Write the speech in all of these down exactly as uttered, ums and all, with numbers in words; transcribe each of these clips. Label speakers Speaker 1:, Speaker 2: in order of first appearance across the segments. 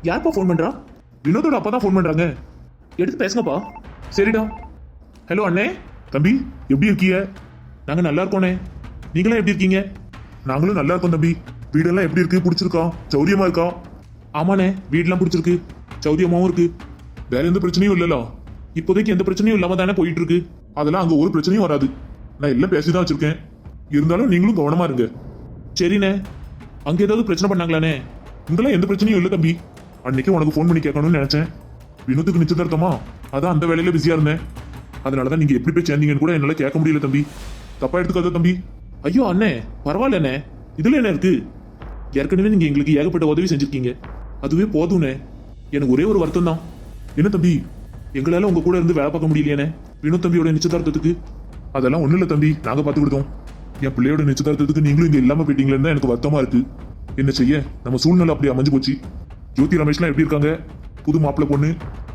Speaker 1: யாருப்பா ஃபோன் பண்றா? வினோதோட அப்பா தான் ஃபோன் பண்றாங்க. எடுத்து பேசுங்கப்பா. சரிடா. ஹலோ அண்ணே. தம்பி எப்படி இருக்கீங்க? நாங்க நல்லா இருக்கோண்ணே. நீங்களும் எப்படி இருக்கீங்க? நாங்களும் நல்லா இருக்கோம் தம்பி. வீடெல்லாம் எப்படி இருக்கு? பிடிச்சிருக்கா? சௌரியமா இருக்கா? ஆமாண்ணே, வீடெல்லாம் பிடிச்சிருக்கு, சௌரியமாவும் இருக்கு. வேற எந்த பிரச்சனையும் இல்லல. இப்போதைக்கு எந்த பிரச்சனையும் இல்லாம தானே போயிட்டு இருக்கு. அதெல்லாம் அங்க ஒரு பிரச்சனையும் வராது. நான் எல்லாம் பேசிதான் வச்சிருக்கேன். இருந்தாலும் நீங்களும் கவனமா இருங்க. சரிண்ணே. அங்க ஏதாவது பிரச்சனை பண்ணாங்களானே? இங்கெல்லாம் எந்த பிரச்சனையும் இல்லை தம்பி. அன்னைக்கு உனக்கு ஃபோன் பண்ணி கேட்கணும்னு நினைச்சேன். வினோத்துக்கு நிச்சயதார்த்தமா, அதான் அந்த வேலையில பிஸியா இருந்தேன். அதனாலதான் நீங்க எப்படி போய் சேர்ந்தீங்கன்னு கூட என்னால கேட்க முடியல தம்பி. தப்பா எடுத்துக்காத தம்பி. ஐயோ அண்ணே, பரவாயில்லண்ணே. இதுல என்ன இருக்கு? ஏற்கனவே நீங்க எங்களுக்கு ஏகப்பட்ட உதவி செஞ்சிருக்கீங்க, அதுவே போதும்ண்ணே. எனக்கு ஒரே ஒரு வருத்தம் தான். என்ன தம்பி, எங்களால உங்க கூட இருந்து வேலை பார்க்க முடியலையானே வினோத் தம்பியோட நிச்சயதார்த்தத்துக்கு? அதெல்லாம் ஒண்ணும் இல்ல தம்பி, நாங்க பார்த்து விடுதோம். என் பிள்ளையோட நிச்சயதார்த்தத்துக்கு நீங்களும் இங்க இல்லாம போயிட்டீங்களேன்னு தான் எனக்கு வருத்தமா இருக்கு. என்ன செய்ய, நம்ம சூழ்நிலை அப்படி அமைஞ்சு போச்சு. ஜோதி ரமேஷ்லாம் எப்படி இருக்காங்க? புது மாப்பிள்ளை பொண்ணு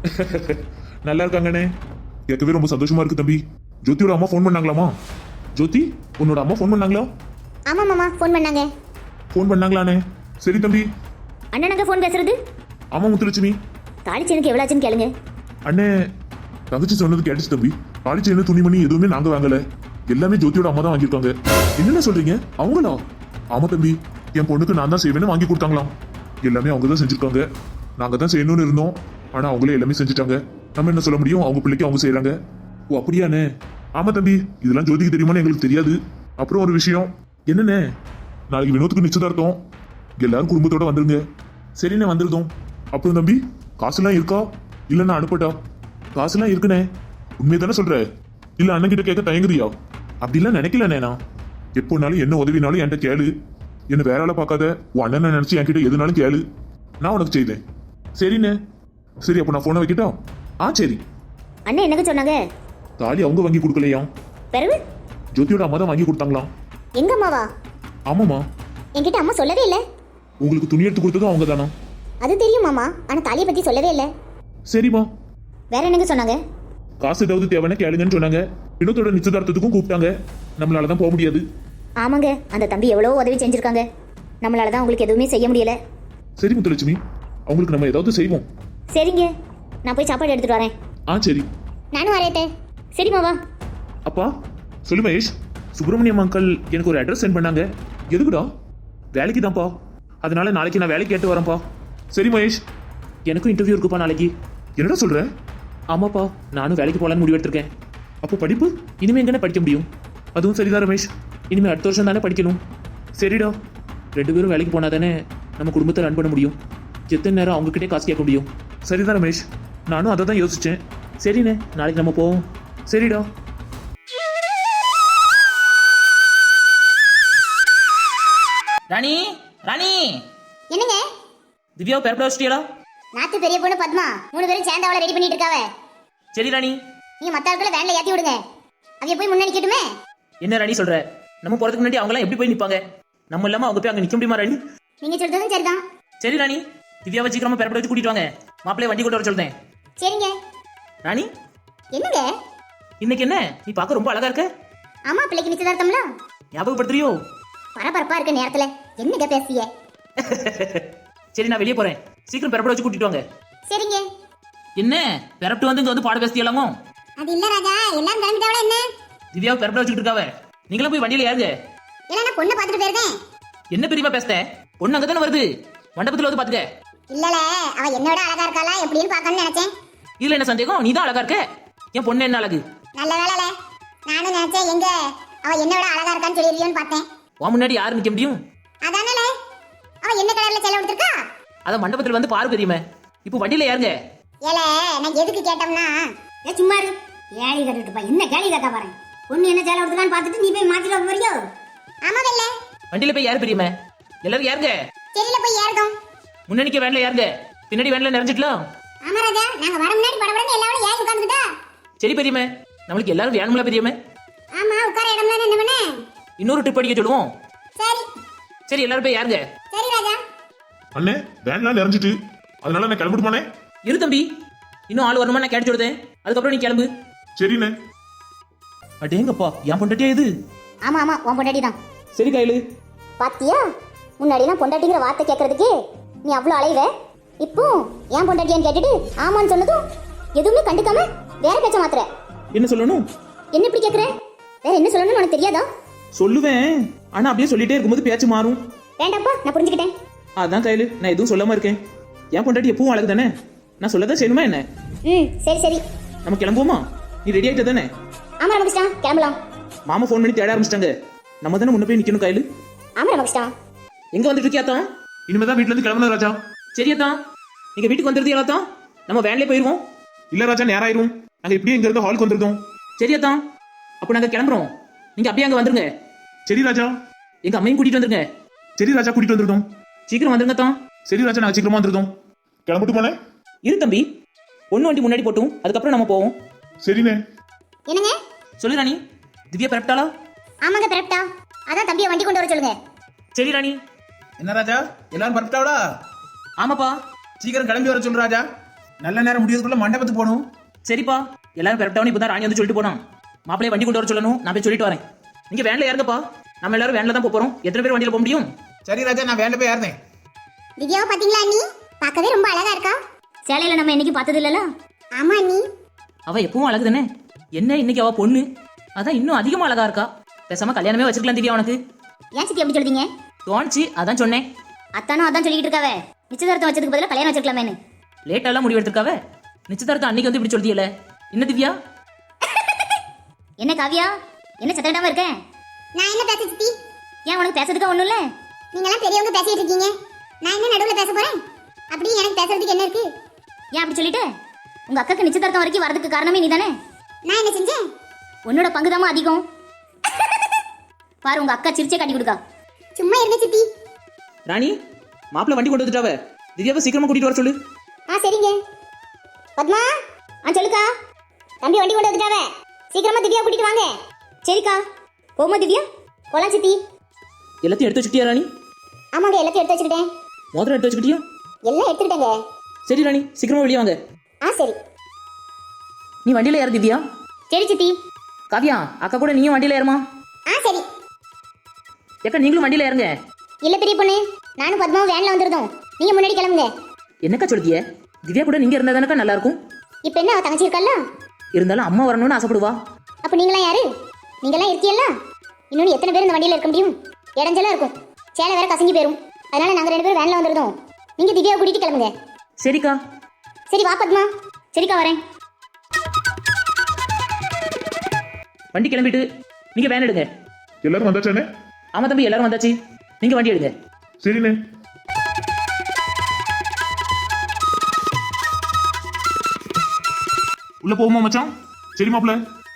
Speaker 1: நல்லா இருக்காங்கண்ணே. கேட்கவே ரொம்ப சந்தோஷமா இருக்கு தம்பி. ஜோதியோட அம்மா ஃபோன் பண்ணாங்களாமா? ஜோதி, உன்னோட அம்மா ஃபோன் பண்ணாங்களா?
Speaker 2: ஆமா மாமா, ஃபோன் பண்ணாங்க.
Speaker 1: ஃபோன் பண்ணாங்களானே? சரி தம்பி.
Speaker 2: அண்ணனுங்க ஃபோன் பேசுறது?
Speaker 1: ஆமா முத்துலட்சுமி.
Speaker 2: தாலி செயினுக்கு எவ்வளவு ஆச்சுன்னு கேளுங்க.
Speaker 1: அண்ணே, தங்கச்சி சொன்னது கேட்டுச்சு தம்பி. தாலி செயின் துணிமணி எதுவுமே நாங்க வாங்கல, எல்லாமே ஜோதியோட அம்மா தான் வாங்கியிருக்காங்க. என்னென்ன சொல்றீங்க? அவங்களா? ஆமா தம்பி, என் பொண்ணுக்கு நான் தான் செய்வேன்னு வாங்கி கொடுத்தாங்களாம். எல்லாமே அவங்க தான் செஞ்சிருக்காங்க. நாங்க தான் செய்யணும்னு இருந்தோம், ஆனா அவங்களே எல்லாமே செஞ்சுட்டாங்க. நம்ம என்ன சொல்ல முடியும்? அவங்க பிள்ளைக்கு அவங்க செய்யறாங்க. ஓ அப்படியாண்ணே? ஆமா தம்பி, இதெல்லாம் ஜோதிக்கு தெரியுமான்னு எங்களுக்கு தெரியாது. அப்புறம் ஒரு விஷயம். என்னண்ணே? நாளைக்கு வினோத்துக்கு நிச்சயதார்த்தம், எல்லாரும் குடும்பத்தோட வந்துருங்க. சரிண்ணே, வந்துருந்தோம். அப்புறம் தம்பி, காசுலாம் இருக்கா? இல்லைன்னா அனுப்பட்டா? காசுலாம் இருக்குண்ணே. உண்மையை தானே சொல்ற? இல்ல அண்ணன் கிட்ட கேட்க தயங்குறியா? அப்படிலாம் நினைக்கலண்ணே. நான் எப்போனாலும் என்ன உதவினாலும் என்கிட்ட கேளு. என்ன வேற ஆளை பார்க்காத. உன் அண்ணனை நினைச்சு என்கிட்ட எதுனாலும் கேளு, நான் உனக்கு செய்தேன். சரிண்ணே. சரி, அப்போ நான் போனை வைக்கிட்டா? ஆ சரி.
Speaker 2: அண்ணன் என்னங்க சொன்னாங்க?
Speaker 1: தாலி அவங்க வாங்கி கொடுக்கலையா,
Speaker 2: பிறகு
Speaker 1: ஜோதியோட அம்மா தான் வாங்கி கொடுத்தாங்களாம்.
Speaker 2: எங்க அம்மாவா?
Speaker 1: ஆமாமா.
Speaker 2: என்கிட்ட அம்மா சொல்லவே இல்லை.
Speaker 1: உங்களுக்கு துணி எடுத்து கொடுத்ததும் அவங்க தானா?
Speaker 2: அது தெரியும் மாமா, ஆனா தாலியை பத்தி சொல்லவே இல்லை.
Speaker 1: சரிம்மா.
Speaker 2: வேற என்னங்க சொன்னாங்க?
Speaker 1: காசு ஏதாவது தேவைன்னு கேளுங்கன்னு சொன்னாங்க. வினோத்தோட நிச்சயதார்த்தத்துக்கும் கூப்பிட்டாங்க. நம்மளால தான் போக முடியாது.
Speaker 2: ஆமாங்க, அந்த தம்பி எவ்வளோ உதவி செஞ்சிருக்காங்க. நம்மளால தான் உங்களுக்கு எதுவுமே செய்ய முடியல.
Speaker 1: சரி முத்துலட்சுமி, அவங்களுக்கு நம்ம ஏதாவது செய்வோம்.
Speaker 2: சரிங்க, நான் போய் சாப்பாடு எடுத்துட்டு வரேன்.
Speaker 1: ஆ சரி.
Speaker 2: நானும் வரேன். சரி மாவா.
Speaker 1: அப்பா சொல்லு மகேஷ். சுப்பிரமணியம் அங்கிள் எனக்கு ஒரு அட்ரஸ் சென்ட் பண்ணாங்க. எதுக்குடா? வேலைக்கு தான்ப்பா. அதனால நாளைக்கு நான் வேலைக்கு கேட்டு வரேன்ப்பா. சரி மகேஷ். எனக்கும் இன்டர்வியூ இருக்குப்பா நாளைக்கு. என்னடா சொல்ற? ஆமாப்பா, நானும் வேலைக்கு போகலான்னு முடிவு எடுத்திருக்கேன். அப்போ படிப்பு இனிமே எங்கன்னு படிக்க முடியும்? அதுவும் சரிதான் ரமேஷ், இனிமே அடுத்த வருஷம் தானே படிக்கணும். சரிடா, ரெண்டு பேரும் வேலைக்கு போனா தானே நம்ம குடும்பத்தை ரன் பண்ண முடியும். எத்தனை நேரம் அவங்ககிட்டே காசு கேட்க முடியும்? சரிதான் ரமேஷ், நானும் அதை தான் யோசிச்சேன். சரிண்ணே, நாளைக்கு நம்ம போவோம். சரிடா.
Speaker 3: ராணி, ராணி.
Speaker 2: என்னங்க?
Speaker 3: திவ்யாவை பெறப்பட வச்சிட்டியடா?
Speaker 2: நாத்து பெரிய பொண்ணு பத்மா மூணு பேரும் சேர்ந்து அவளை ரெடி பண்ணிட்டு இருக்காவ.
Speaker 3: சரி ராணி.
Speaker 2: நீங்க மத்த ஆட்களை வேன்ல ஏத்தி விடுங்க, அவங்க போய் முன்னாடி நிக்கட்டுமே. என்ன
Speaker 3: ராணி சொல்ற? நம்ம போறதுக்கு முன்னாடி அவங்க எல்லாம் எப்படி போய் நிப்பாங்க? நம்ம இல்லாம அவங்க போய் அங்க நிக்க முடியுமா ராணி?
Speaker 2: நீங்க சொல்றதும் சரிதான்.
Speaker 3: சரி ராணி, திவ்யாவை சீக்கிரமா பெறப்பட வச்சு கூட்டிட்டு வாங்க. மாப்பிள்ளைய வண்டி கொண்டு வர சொல்றேன்.
Speaker 2: சரிங்க.
Speaker 3: ராணி.
Speaker 2: என்னங்க?
Speaker 3: இன்னைக்கு என்ன நீ பார்க்க ரொம்ப அழகா இருக்க?
Speaker 2: ஆமா, பிள்ளைக்கு நிச்சயதார்த்தம்ல.
Speaker 3: ஞாபகப்படுத்துறியோ?
Speaker 2: பரபரப்பா இருக்க நேரத்துல என்னங்க பேசிய?
Speaker 3: சரி, நான் வெளியே போறேன். சீக்கிரம் பெறப்பட வச்சு கூட்டிட்டு வாங்க.
Speaker 2: சரிங்க.
Speaker 3: என்ன பெறப்பட்டு வந்து இங்க வந்து பாட பேசியலாமோ?
Speaker 2: அது இல்ல ராஜா, எல்லாம் கிளம்பிட்டாவளா என்ன?
Speaker 3: திவ்யாவை பெறப்பட வச்சுட்டு இருக்காவ. நீங்களும் போய் வண்டியில ஏறுங்க.
Speaker 2: இல்ல, நான் பொண்ணை பாத்துட்டு போயிருக்கேன்.
Speaker 3: என்ன பெரியமா பேசுற? பொண்ணு அங்க தானே வருது, மண்டபத்துல வந்து பாத்துக்க.
Speaker 2: இல்லல, அவ என்னோட அழகா இருக்காளா எப்படின்னு பாக்கணும்னு நினைச்சேன்.
Speaker 3: இதுல என்ன சந்தேகம்? நீ தான் அழகா இருக்க. என் பொண்ணு என்ன அழகு?
Speaker 2: நல்ல வேலைல, நானும் நினைச்சேன் எங்க அவ என்னோட அழகா இருக்கான்னு சொல்லிருவியோன்னு பார்த்தேன்.
Speaker 3: உன் முன்னாடி யாரு நிக்க முடியும்?
Speaker 2: அதானல, அவ என்ன கலர்ல சேலை எடுத்திருக்கா?
Speaker 3: அத மண்டபத்துல வந்து பாரு பெரியமா. இப்போ வண்டியில ஏறுங்க.
Speaker 2: ஏல, நான் எதுக்கு கேட்டோம்னா, ஏ சும்மா இரு. கேலி கட்டிட்டு பா, என்ன கேலி கட்டா பாரு. பொண்ணு என்ன சேலை எடுத்துக்கான்னு பார்த்துட்டு நீ போய் மாத்திட்டு வர போறியோ? ஆமா வெல்ல.
Speaker 3: வண்டியில போய் ஏறு பெரியமா. எல்லாரும் ஏறுங்க.
Speaker 2: சரில போய் ஏறுதோம்.
Speaker 3: முன்னாடிக்கு வேன்ல ஏறுங்க, பின்னாடி வேன்ல நிறைஞ்சிட்டலாம்.
Speaker 2: ஆமா ராஜா, நாங்க வர முன்னாடி படபடன்னு எல்லாரும் ஏறி உட்கார்ந்துட்டா.
Speaker 3: சரி பெரியமா, நமக்கு எல்லாரும் வேணும்ல பெரியமா?
Speaker 2: ஆமா, உட்கார இடம்ல என்ன பண்ணே?
Speaker 3: இன்னொரு ட்ரிப் அடிக்க சொல்லுவோம்.
Speaker 2: சரி.
Speaker 3: சரி, எல்லாரும் போய் ஏறுங்க.
Speaker 2: சரி ராஜா.
Speaker 1: அண்ணே, வேன்லாம் நிறைஞ்சிட்டு, அதனால நான் கிளம்பிட்டுமானே?
Speaker 3: இரு தம்பி, இன்னும் ஆள் வரணுமா? நான் கேட்டு சொல்லுதேன், அதுக்கப்புறம் நீ கிளம்பு.
Speaker 1: சரிண்ணே.
Speaker 3: அடேங்கப்பா, என் பொண்டாட்டியா இது?
Speaker 2: ஆமா ஆமா, உன் பொண்டாட்டி தான்.
Speaker 3: சரி கையில
Speaker 2: பாத்தியா, முன்னாடி நான் பொண்டாட்டிங்கிற வார்த்தை கேட்கறதுக்கு நீ அவ்வளவு அலைவ. இப்போ ஏன் பொண்டாட்டியான்னு கேட்டுட்டு ஆமான்னு சொன்னதும் எதுவுமே கண்டுக்காம வேற பேச்ச மாத்துற.
Speaker 3: என்ன சொல்லணும்?
Speaker 2: என்ன இப்படி கேக்குற? வேற என்ன சொல்லணும்னு உனக்கு தெரியாதா?
Speaker 3: சொல்லுவேன், ஆனா அப்படியே சொல்லிட்டே இருக்கும்போது பேச்சு மாறும்.
Speaker 2: வேண்டாப்பா, நான் புரிஞ்சுக்கிட்டேன்.
Speaker 3: அதான் கையில நான் எதுவும் சொல்லாம இருக்கேன். என் பொண்டாட்டி எப்பவும் அழகு தானே, நான் சொல்லதான் செய்யணுமா என்ன?
Speaker 2: ம் சரி சரி.
Speaker 3: நம்ம கிளம்புவோமா? நீ ரெடி ஆயிட்ட தானே?
Speaker 2: ஆமா ரமகிருஷ்ணா, கிளம்பலாம்.
Speaker 3: மாமா ஃபோன் பண்ணி தேட ஆரம்பிச்சிட்டாங்க. நம்ம தானே முன்ன போய் நிக்கணும் கையில.
Speaker 2: ஆமா ரமகிருஷ்ணா.
Speaker 3: எங்க வந்துட்டு இருக்கியா தான்?
Speaker 1: இனிமேதான் வீட்ல இருந்து கிளம்பணும் ராஜா.
Speaker 3: சரியா தான், நீங்க வீட்டுக்கு வந்துருந்தீங்களா தான்? நம்ம வேன்லயே போயிருவோம்.
Speaker 1: இல்ல ராஜா, நேரம் ஆயிரும். நாங்க இப்படியே இங்க இருந்து ஹாலுக்கு வந்துருந்தோம்.
Speaker 3: சரியா தான், அப்போ நாங்க கிளம்புறோம். நீங்க அப்படியே அங்க வந்துருங்க.
Speaker 1: சரி ராஜா.
Speaker 3: எங்க அம்மையும் கூட்டிட்டு வந்துருங்க.
Speaker 1: சரி ராஜா, கூட்டிட்டு வந்துருந்தோம்.
Speaker 3: சீக்கிரம் வந்துருங்க தான்.
Speaker 1: சரி ராஜா, நாங்க சீக்கிரமா வந்துருந்தோம். கிளம்பிட்டு போனேன்.
Speaker 3: இரு தம்பி, ஒண்ணு வண்டி முன்னாடி போட்டும் அதுக்கப்புறம் நம்ம போவோம்.
Speaker 1: சரிண்ணே.
Speaker 2: என்னங்க?
Speaker 3: சொல்லு ராணி, திவ்யா பிறப்பிட்டாளா?
Speaker 2: ஆமாங்க பிறப்பிட்டா. அதான் தம்பியை வண்டி கொண்டு வர சொல்லுங்க.
Speaker 3: சரி ராணி.
Speaker 4: என்ன ராஜா, எல்லாரும் பரப்பிட்டாவளா?
Speaker 3: ஆமாப்பா.
Speaker 4: சீக்கிரம் கிளம்பி வர சொல்லு ராஜா. நல்ல நேரம் முடியறதுக்குள்ள மண்டபத்துக்கு போகணும்.
Speaker 3: சரிப்பா, எல்லாரும் பிறப்பிட்டாவும் இப்பதான் ராணி வந்து சொல்லிட்டு போனான். மாப்பிளைய வண்டி கொண்டு வர சொல்லணும், நான் போய் சொல்லிட்டு வரேன். நீங்க வேன்ல ஏறுங்கப்பா, நம்ம எல்லாரும் வேன்ல தான் போப் போறோம். எத்தனை பேர் வண்டியில போக முடியும்?
Speaker 4: சரி ராஜா, நான் வேண்ட போய் ஏறேன்.
Speaker 2: திவ்யாவை பாத்தீங்களா அண்ணி? பார்க்கவே ரொம்ப அழகா இருக்கா. சேலையில நம்ம என்னைக்கு பார்த்தது இல்லல? ஆமா அண்ணி.
Speaker 3: அவ எப்பவும் அழகு தானே, என்ன இன்னைக்கு அவ பொண்ணு, அதான் இன்னும் அதிகமா அழகா இருக்கா. பேசாம கல்யாணமே வச்சிருக்கலாம் திவ்யா உனக்கு.
Speaker 2: ஏன் சித்தி எப்படி சொல்றீங்க?
Speaker 3: தோணுச்சு, அதான் சொன்னேன்.
Speaker 2: அத்தானும் அதான் சொல்லிட்டு இருக்காவ. நிச்சயதார்த்தம் வச்சதுக்கு பதிலா கல்யாணம் வச்சிருக்கலாமேன்னு.
Speaker 3: லேட்டாலாம் முடிவு எடுத்திருக்காவ. நிச்சயதார்த்தம் அன்னைக்கு வந்து இப்படி சொல்லியல. என்ன திவ்யா?
Speaker 2: என்ன காவியா, என்ன சத்தடாம இருக்க? நான் என்ன பேச சித்தி? ஏன் உனக்கு பேசுறதுக்கு ஒண்ணும் இல்ல? நீங்க எல்லாம் பெரியவங்க பேசிட்டு இருக்கீங்க, நான் என்ன நடுவுல பேச போறேன்? அப்படி எனக்கு பேசுறதுக்கு என்ன இருக்கு? ஏன் அப்படி சொல்லிட்டு? உங்க அக்காக்கு நிச்சயதார்த்தம் வரைக்கும் வரதுக்கு காரணமே நீ தானே. நான் என்ன செஞ்சேன்? உன்னோட பங்குதாமா அதிகம். பாரு, உங்க அக்கா சிரிச்சே காட்டி கொடுக்கா. சும்மா இருங்க சித்தி.
Speaker 3: ராணி, மாப்பிள்ள வண்டி கொண்டு வந்துட்டாவ. திவ்யாவை சீக்கிரமா கூட்டிட்டு வர சொல்லு.
Speaker 2: ஆ சரிங்க. பத்மா, ஆ சொல்லுக்கா. தம்பி வண்டி கொண்டு வந்துட்டாவ, சீக்கிரமா திவ்யா கூட்டிட்டு வாங்க. சரிக்கா. போமா திவ்யா, போலாம் சித்தி.
Speaker 3: எல்லாத்தையும் எடுத்து வச்சுக்கிட்டியா ராணி?
Speaker 2: ஆமாங்க, எல்லாத்தையும் எடுத்து வச்சுக்கிட்டேன்.
Speaker 3: மோதிரம் எடுத்து வச்சுக்கிட்டியா?
Speaker 2: எல்லாம் எடுத்துக்கிட்டேங்க.
Speaker 3: சரி ராணி, சீக்கிரமா வெளியே வாங்க.
Speaker 2: ஆ சரி.
Speaker 3: நீ வண்டியில ஏறு திவ்யா.
Speaker 2: சரி சித்தி.
Speaker 3: காவியா, அக்கா கூட நீயும் வண்டியில ஏறுமா.
Speaker 2: ஆ சரி.
Speaker 3: ஏக்கா நீங்களும் வண்டியில ஏறுங்க.
Speaker 2: இல்ல பெரிய பொண்ணு, நானும் பத்மாவும் வேன்ல வந்துருந்தோம். நீங்க முன்னாடி கிளம்புங்க.
Speaker 3: என்னக்கா சொல்லிய? திவ்யா கூட நீங்க இருந்தா தானக்கா நல்லா இருக்கும்.
Speaker 2: இப்போ என்ன, அவ தங்கச்சி இருக்கல்ல?
Speaker 3: இருந்தாலும் அம்மா வரணும்னு ஆசைப்படுவா.
Speaker 2: அப்ப நீங்களாம் யாரு? நீங்களாம் இருக்கீல்ல? இன்னொன்னு எத்தனை பேர் இந்த வண்டியில இருக்க முடியும்? இடைஞ்சலா இருக்கும், சேலை வேற கசங்கி போயிரும். அதனால நாங்க ரெண்டு பேரும் வேன்ல வந்துருந்தோம். நீங்க திவ்யாவை கூட்டிட்டு கிளம்புங்க.
Speaker 3: சரிக்கா.
Speaker 2: சரி வா பத்மா. சரிக்கா, வரேன்.
Speaker 3: வண்டி கிளம்பிட்டு நீங்க வேன் எடுங்க.
Speaker 1: எல்லாரும் வந்தாச்சானே?
Speaker 3: ஆமா தம்பி, எல்லாரும் வந்தாச்சு. நீங்க வண்டி எடுங்க.
Speaker 1: சரிண்ணே. உள்ள போகுமா மச்சான்? சரி மாப்ள.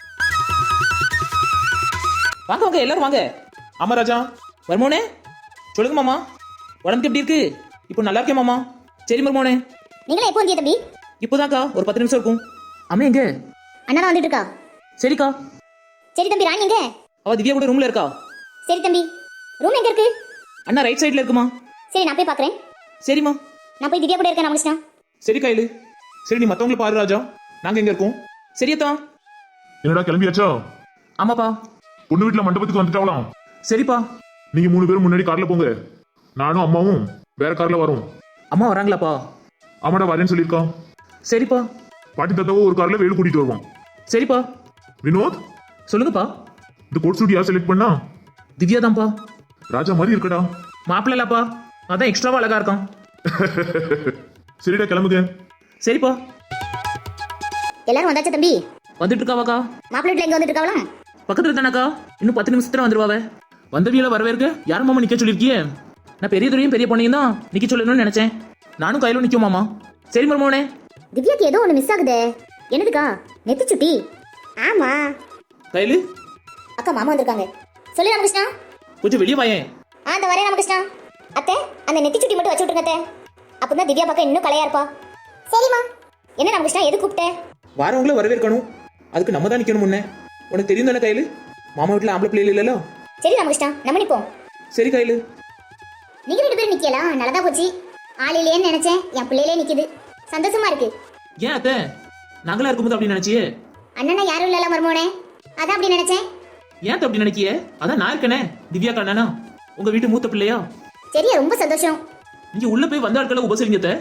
Speaker 3: வாங்க வாங்க, எல்லாரும் வாங்க.
Speaker 1: ஆமா ராஜா.
Speaker 3: மர்மோனே, சொல்லுங்க மாமா, உடம்புக்கு எப்படி இருக்கு? இப்போ நல்லா இருக்கேன் மாமா. சரி மர்மோனே.
Speaker 2: நீங்களே எப்போ வந்தீங்க தம்பி?
Speaker 3: இப்போதான்க்கா, ஒரு பத்து நிமிஷம் இருக்கும். அம்மா எங்க?
Speaker 2: அண்ணா தான் வந்துட்டு இருக்கா.
Speaker 3: சரிக்கா.
Speaker 2: சரி தம்பி, ராணி எங்க?
Speaker 3: அவ திவ்யா கூட ரூம்ல இருக்கா.
Speaker 2: சரி தம்பி, ரூம் எங்க இருக்கு?
Speaker 3: அண்ணா ரைட் சைடுல இருக்குமா.
Speaker 2: சரி, நான் போய் பாக்குறேன்.
Speaker 3: சரிம்மா.
Speaker 2: நான் போய் திவ்யா கூட இருக்கேன் ராமகிருஷ்ணா.
Speaker 1: சரி கையில. சரி, நீ மத்தவங்களை பாரு ராஜா, நாங்க எங்க இருக்கோம்.
Speaker 3: சரியத்தா.
Speaker 1: என்னடா கிளம்பியாச்சா?
Speaker 3: ஆமாப்பா.
Speaker 1: பொண்ணு வீட்டுல மண்டபத்துக்கு வந்துட்டாவலாம்.
Speaker 3: சரிப்பா.
Speaker 1: நீங்க மூணு பேரும் முன்னாடி கார்ல போங்க, நானும் அம்மாவும் வேற கார்ல வரோம்.
Speaker 3: அம்மா வராங்களாப்பா?
Speaker 1: ஆமாடா, வரேன்னு சொல்லியிருக்கான்.
Speaker 3: சரிப்பா.
Speaker 1: பாட்டி தாத்தாவும் ஒரு கார்ல வேலு கூட்டிட்டு வருவான்.
Speaker 3: சரிப்பா.
Speaker 1: வினோத்,
Speaker 3: சொல்லுங்கப்பா.
Speaker 1: இந்த கோட் சூட் யார் செலக்ட் பண்ணா?
Speaker 3: திவ்யா தான்ப்பா.
Speaker 1: ராஜா மாதிரி இருக்கடா.
Speaker 3: மாப்பிள்ளலாப்பா, அதான் எக்ஸ்ட்ராவா அழகா இருக்கான்.
Speaker 1: சரிடா, கிளம்புங்க.
Speaker 3: சரிப்பா.
Speaker 2: எல்லாரும் வந்தாச்சா தம்பி?
Speaker 3: வந்துட்டு இருக்காவாக்கா.
Speaker 2: மாப்பிள்ளை வீட்டுல எங்க வந்துட்டு இருக்காவலாம்?
Speaker 3: பக்கத்துல தானக்கா, இன்னும் பத்து நிமிஷத்துல வந்துருவாவ. வந்தவியில வரவேற்க யார் மாமா நிக்க சொல்லிருக்கியே? நான் பெரிய துறையும் பெரிய பொண்ணையும் தான் நிக்க சொல்லணும்னு நினைச்சேன். நானும் கையில நிக்கும் மாமா. சரி மருமோனே.
Speaker 2: திவ்யாக்கு ஏதோ ஒண்ணு மிஸ் ஆகுதே. என்னதுக்கா? நெத்தி சுட்டி. ஆமா.
Speaker 3: கையில
Speaker 2: அக்கா மாமா வந்திருக்காங்க. சொல்லு ராமகிருஷ்ணா.
Speaker 3: கொஞ்சம் வெளியே வாயேன்.
Speaker 2: ஆ இந்த வரேன் ராமகிருஷ்ணா. அத்தை, அந்த நெத்தி சுட்டி மட்டும் வச்சு விட்டுருங்க அத்தை. அப்பதான் திவ்யா பக்கம் இன்னும் கலையா இருப்பா. சரிம்மா. என்ன ராமகிருஷ்ணா, எது கூப்பிட்ட?
Speaker 3: வாரவங்கள வரவேற்கணும், அதுக்கு நம்ம தான் நிக்கணும். முன்ன உனக்கு தெரியும் தானே கையில, மாமா வீட்டுல ஆம்பளை பிள்ளைகள் இல்லല്ലോ.
Speaker 2: சரி ராமகிருஷ்ணா, நம்ம நிப்போம்.
Speaker 3: சரி கையில.
Speaker 2: நீங்க ரெண்டு பேரும் நிக்கலாம், நல்லதா போச்சு. ஆளிலேன்னு நினைச்சேன், என் பிள்ளையிலே நிக்குது. சந்தோஷமா இருக்கு.
Speaker 3: ஏன் அத்தை, நாங்களா இருக்கும்போது அப்படி நினைச்சியே?
Speaker 2: அண்ணனா யாரும் இல்லல மருமோனே, அதான் அப்படி நினைச்சேன்.
Speaker 3: ஏன் அப்படி நினைக்கிய? அதான் நான் இருக்கனே, திவ்யா கண்ணனா, உங்க வீட்டு மூத்த பிள்ளையா.
Speaker 2: சரியா, ரொம்ப சந்தோஷம்.
Speaker 3: நீங்க உள்ள போய் வந்த ஆட்களை உபசரிங்க அத்தை.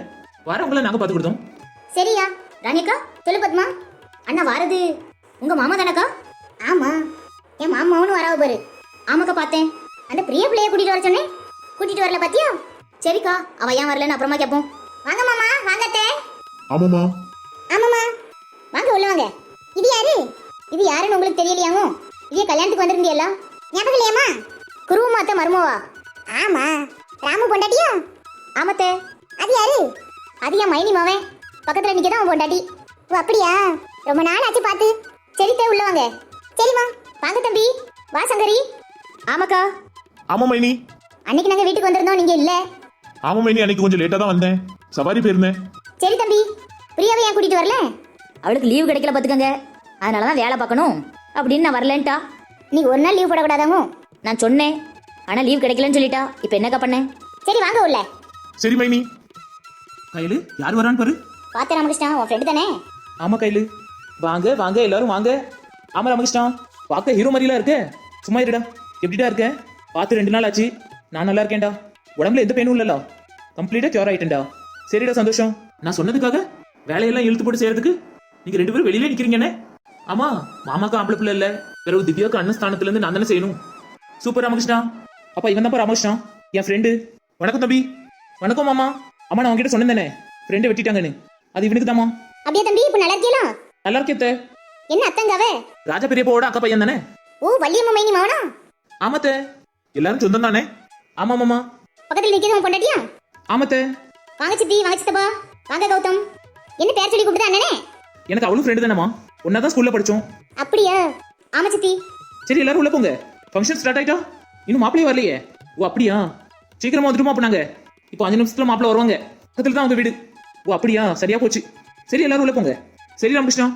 Speaker 3: வரவங்கள நாங்க பார்த்து கொடுத்தோம்.
Speaker 2: சரியா ராணிக்கா சொல்லு பத்மா. அண்ணா வாரது உங்க மாமா தானக்கா? ஆமா என் மாமாவும் வராவ பாரு. ஆமாக்கா பார்த்தேன். அந்த பிரிய பிள்ளைய கூட்டிட்டு வர சொன்னேன், கூட்டிட்டு வரல பாத்தியா? சரிக்கா அவ ஏன் வரலன்னு அப்புறமா கேட்போம். வாங்க மாமா வாங்க அத்தை.
Speaker 1: ஆமாமா.
Speaker 2: ஆமாமா வாங்க உள்ள வாங்க. இது யாரு? இது யாருன்னு உங்களுக்கு தெரியலையாமோ? இதே கல்யாணத்துக்கு வந்திருந்தியல்ல, ஞாபகம் இல்லையாமா? குருவமா அத்தை மருமவா? ஆமா ராமு பொண்டாட்டியா? ஆமத்தே. அது யாரு? அது என் மைனி மாவன், பக்கத்துல நிக்கதான் அவன் பொண்டாட்டி. ஓ அப்படியா, ரொம்ப நாள் ஆச்சு பார்த்து. சரி தே உள்ள வாங்க. சரிம்மா வாங்க தம்பி. வா சங்கரி. ஆமாக்கா.
Speaker 1: ஆமா மைனி.
Speaker 2: அன்னைக்கு நாங்க வீட்டுக்கு வந்திருந்தோம், நீங்க இல்ல.
Speaker 1: ஆமா மைனி, அன்னைக்கு கொஞ்சம் லேட்டா தான் வந்தேன், சவாரி போயிருந்தேன்.
Speaker 2: சரி தம்பி, பிரியாவை ஏன் கூட்டிட்டு வரல? அவளுக்கு லீவு கிடைக்கல பாத்துக்கங்க, அதனாலதான் வேலை பார்க்கணும் அப்படின்னு நான் வரலன்ட்டா. நீ ஒரு நாள் லீவ் போடக்கூடாதாமோ நான் சொன்னேன், ஆனா லீவ் கிடைக்கலன்னு சொல்லிட்டா. இப்ப என்னக்கா பண்ண? சரி வாங்க உள்ள.
Speaker 1: சரி மைனி.
Speaker 3: கையில யார் வரான்னு பாரு.
Speaker 2: பாத்து ராமகிருஷ்ணா, உன் ஃப்ரெண்டு தானே?
Speaker 3: ஆமா கையில வாங்க வாங்க எல்லாரும் வாங்க. ஆமா ராமகிருஷ்ணா, பார்க்க ஹீரோ மாதிரிலாம் இருக்க. சும்மா இருடா. எப்படிடா இருக்க? பார்த்து ரெண்டு நாள் ஆச்சு. நான் நல்லா இருக்கேன்டா, உடம்புல எந்த பெயினும் இல்லடா, கம்ப்ளீட்டா கியூர் ஆயிட்டேன்டா. சரிடா சந்தோஷம். நான் சொன்னதுக்காக வேலையெல்லாம் இழுத்து போட்டு செய்யறதுக்கு நீங்க ரெண்டு பேரும் வெளியில நிக்கிறீங்கண்ணே. ஆமா மாமாக்கு ஆம்பளை பிள்ளை இல்ல, பிறகு திவ்யாவுக்கு அண்ணன் ஸ்தானத்துல இருந்து நான் தானே செய்யணும். சூப்பர் ராமகிருஷ்ணா. அப்பா இவன் தான்ப்பா ராமகிருஷ்ணா, என் ஃப்ரெண்டு. வணக்கம் தம்பி. வணக்கம் மாமா. அம்மா நான் உங்ககிட்ட சொன்னேன் தானே ஃப்ரெண்டை வெட்டிட்டாங்கன்னு, அது இவனுக்கு தாமா.
Speaker 2: அப்படியே தம்பி, இப்ப நல்லா இருக்கீங்களா?
Speaker 3: நல்லா இருக்கே.
Speaker 2: என்ன அத்தங்காவே?
Speaker 3: ராஜா பெரியப்பாவோட அக்கா பையன் தானே?
Speaker 2: ஓ வள்ளியம்மா மைனி மாவனா?
Speaker 3: ஆமாத்தே.
Speaker 1: எல்லாரும் சொந்தம் தானே?
Speaker 3: ஆமா மாமா.
Speaker 2: பக்கத்துல நிக்கிறது உன் பொண்டாட்டியா?
Speaker 3: ஆமாத்தே.
Speaker 2: வாங்க சித்தி, வாங்க சித்தப்பா, வாங்க கௌதம். என்ன பேர் சொல்லி கூப்பிடுதா அண்ணனே?
Speaker 3: எனக்கு அவளும் ஃப்ரெண்டு தானேமா, ஒன்னா தான் ஸ்கூல்ல படிச்சோம்.
Speaker 2: அப்படியா? ஆமா சித்தி.
Speaker 3: சரி எல்லாரும் உள்ள போங்க, ஃபங்க்ஷன் ஸ்டார்ட் ஆயிட்டா. இன்னும் மாப்பிளையே வரலையே. ஓ அப்படியா, சீக்கிரமா வந்துட்டுமா? அப்ப நாங்க இப்போ அஞ்சு நிமிஷத்துல மாப்பிள்ள வருவாங்க, பக்கத்துல தான் உங்க வீடு. ஓ அப்படியா, சரியா போச்சு. சரி எல்லாரும் உள்ள போங்க. சரி ராமகிருஷ்ணா.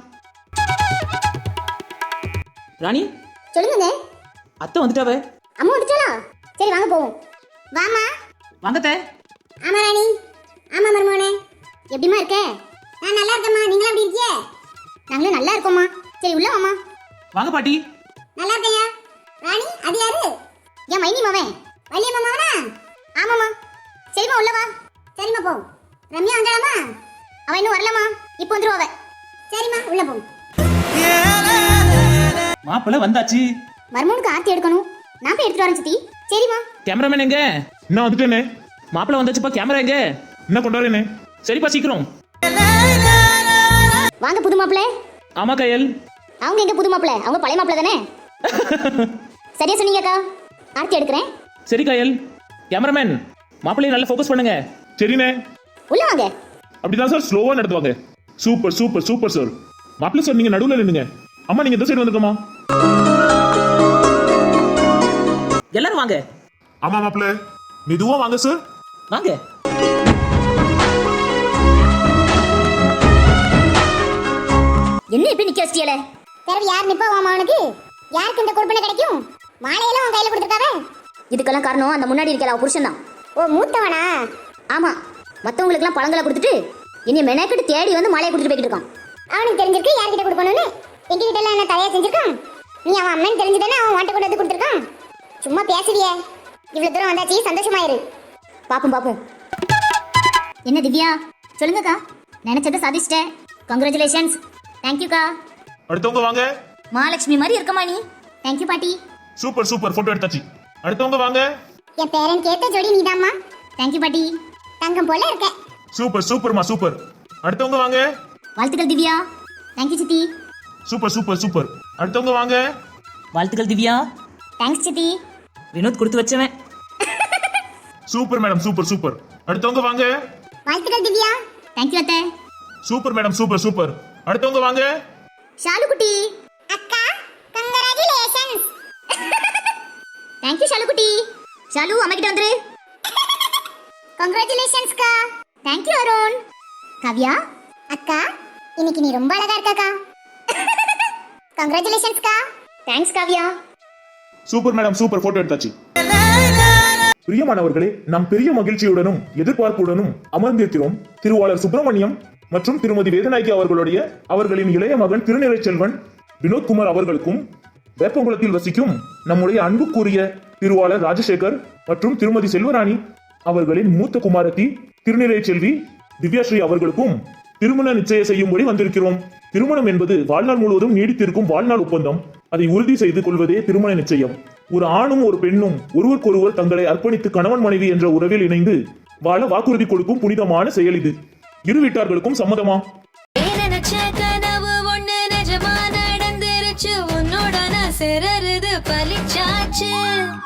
Speaker 3: ராணி
Speaker 2: சொல்லுங்க.
Speaker 3: அத்தை வந்துட்டாவே.
Speaker 2: அம்மா வந்துட்டாளா? சரி வாங்க போவோம். வாமா.
Speaker 3: வாங்கத்தே.
Speaker 2: ஆமா ராணி. ஆமா மருமோனே, எப்படிமா இருக்க? நான் நல்லா இருக்கேம்மா, நீங்க எப்படி இருக்கீங்க? நாங்களும் நல்லா இருக்கோம்மா. சரி உள்ள வாமா.
Speaker 3: வாங்க பாட்டி.
Speaker 2: நல்லா இருக்கையா? ராணி அது யாரு? என் மைனி மாவன். வள்ளியம்மா மாவனா? ஆமாம்மா. சரிம்மா உள்ள வா. சரிம்மா போ. ரம்யா வந்தாளாமா? அவ இன்னும் வரலம்மா, இப்போ வந்துருவா அவ. சரிம்மா உள்ள போ.
Speaker 3: மாப்பிள்ள வந்தாச்சு.
Speaker 2: மருமனுக்கு ஆர்த்தி எடுக்கணும், நான் போய் எடுத்துட்டு வரேன் சித்தி. சரிம்மா.
Speaker 3: கேமராமேன் எங்க?
Speaker 1: நான் வந்துட்டேனே.
Speaker 3: மாப்பிள்ள வந்தாச்சுப்பா, கேமரா எங்க?
Speaker 1: என்ன கொண்டாடுறேனே?
Speaker 3: சரிப்பா சீக்கிரம்
Speaker 2: வாங்க புது மாப்பிள்ளை.
Speaker 3: ஆமா கையல்.
Speaker 2: அவங்க எங்க புது மாப்பிள்ளை? அவங்க பழைய மாப்பிள்ளை தானே? சரியா சொன்னீங்கக்கா, ஆர்த்தி எடுக்கிறேன்.
Speaker 3: சரி கையல். கேமராமேன் மாப்பிள்ளைய நல்லா ஃபோக்கஸ் பண்ணுங்க.
Speaker 1: சரிண்ணே.
Speaker 2: உள்ள வாங்க.
Speaker 1: அப்படிதான் சார், ஸ்லோவா நடத்துவாங்க. Super super super sir. மாப்பிள்ள சார் நீங்க நடுவுல நின்னுங்க. அம்மா நீங்க இந்த சைடு வந்துக்கமா.
Speaker 3: எல்லாரும் வாங்க.
Speaker 1: ஆமா மாப்பிள்ள, மெதுவா வாங்க சார்.
Speaker 3: வாங்க.
Speaker 2: என்ன இப்படி நிக்க வச்சியல? பிறகு யார் நிப்பா அவனுக்கு? யாருக்கு இந்த கொடுப்பனை கிடைக்கும்? மாலையெல்லாம் உன் கையில கொடுத்துருக்காவே. இதுக்கெல்லாம் காரணம் அந்த முன்னாடி இருக்கிற அவ புருஷன் தான். ஓ மூத்தவனா? ஆமா. மத்தவங்களுக்குலாம் பழங்களை கொடுத்துட்டு இனி மெனக்கிட்டு தேடி வந்து மாலையை கொடுத்துட்டு போய்கிட்டு இருக்கான். அவனுக்கு தெரிஞ்சிருக்கு யார்கிட்ட கொடுக்கணும்னு. எங்க கிட்ட எல்லாம் என்ன தலையா செஞ்சிருக்கான். நீ அவன் அம்மன் தெரிஞ்சுதானே அவன் வாட்ட கொண்டு வந்து கொடுத்துருக்கான். சும்மா பேசுறியே. இவ்வளவு தூரம் வந்தாச்சு, சந்தோஷமாயிரு. பாப்போம் பாப்போம். என்ன திவ்யா சொல்லுங்கக்கா. நினைச்சதை சாதிச்சிட்டேன். கங்க்ராச்சுலேஷன்ஸ். தேங்க்யூக்கா.
Speaker 1: அடுத்தவங்க வாங்க.
Speaker 2: மகாலட்சுமி மாதிரி இருக்கமா நீ. தேங்க்யூ பாட்டி.
Speaker 1: சூப்பர் சூப்பர், போட்டோ எடுத்தாச்சு. அடுத்தவங்க வாங்க.
Speaker 2: என் பேரன் கேட்ட ஜோடி நீதாம்மா. தேங்க்யூ பாட்டி. தங்கம் போல இருக்க.
Speaker 1: சூப்பர் சூப்பர்மா சூப்பர். அடுத்தவங்க வாங்க.
Speaker 2: வாழ்த்துக்கள் திவ்யா. தேங்க்யூ சித்தி.
Speaker 1: Super super super. அடுத்தவங்க வாங்க.
Speaker 3: வாழ்த்துக்கள் திவ்யா.
Speaker 2: தேங்க்ஸ் சித்தி.
Speaker 3: வினோத் கொடுத்து வச்சவன்.
Speaker 1: Super madam, super super. அடுத்தவங்க வாங்க.
Speaker 2: வாழ்த்துக்கள் திவ்யா. தேங்க்யூ அத்தை.
Speaker 1: Super madam, super super. அடுத்தவங்க வாங்க.
Speaker 2: ஷாலு குட்டி. அக்கா கங்க்ராச்சுலேஷன்ஸ். தேங்க்யூ ஷாலு குட்டி. ஷாலு அம்மா கிட்ட வந்துரு. கங்க்ராச்சுலேஷன்ஸ் கா. தேங்க்யூ அருண். கவ்யா அக்கா இன்னைக்கு நீ ரொம்ப அழகா இருக்கக்கா. கங்க்ராச்சுலேஷன்ஸ் கா. Thanks Kavya.
Speaker 1: Super madam, super. Photo எடுத்தாச்சு. பிரியமானவர்களே, நாம் பெரிய மகிழ்ச்சியுடனும் எதிர்பார்ப்புடனும் அமர்ந்திருக்கிறோம் திருவாளர் சுப்பிரமணியம் மற்றும் திருமதி வேதநாயகி அவர்களுடைய அவர்களின் இளைய மகன் திருநிறைச்செல்வன் வினோத்குமார் அவர்களுக்கும் வேப்பங்குளத்தில் வசிக்கும் நம்முடைய அன்புக்குரிய திருவாளர் ராஜசேகர் மற்றும் திருமதி செல்வராணி அவர்களின் மூத்த குமாரத்தி திருநிறைச்செல்வி திவ்யாஸ்ரீ அவர்களுக்கும் திருமண நிச்சயம் செய்யும்படி வந்திருக்கிறோம். திருமணம் என்பது வாழ்நாள் முழுவதும் நீடித்திருக்கும் வாழ்நாள் ஒப்பந்தம். அதை உறுதி செய்து கொள்வதே திருமண நிச்சயம். ஒரு ஆணும் ஒரு பெண்ணும் ஒருவருக்கொருவர் தங்களை அர்ப்பணித்து கணவன் மனைவி என்ற உறவில் இணைந்து வாழ வாக்குறுதி கொடுக்கும் புனிதமான செயல் இது. இரு வீட்டார்களுக்கும் சம்மதமா?
Speaker 5: நினைச்ச கனவு ஒண்ணு நிஜமா நடந்துருச்சு, உன்னோட நான் சிறருது பலிச்சாச்சு.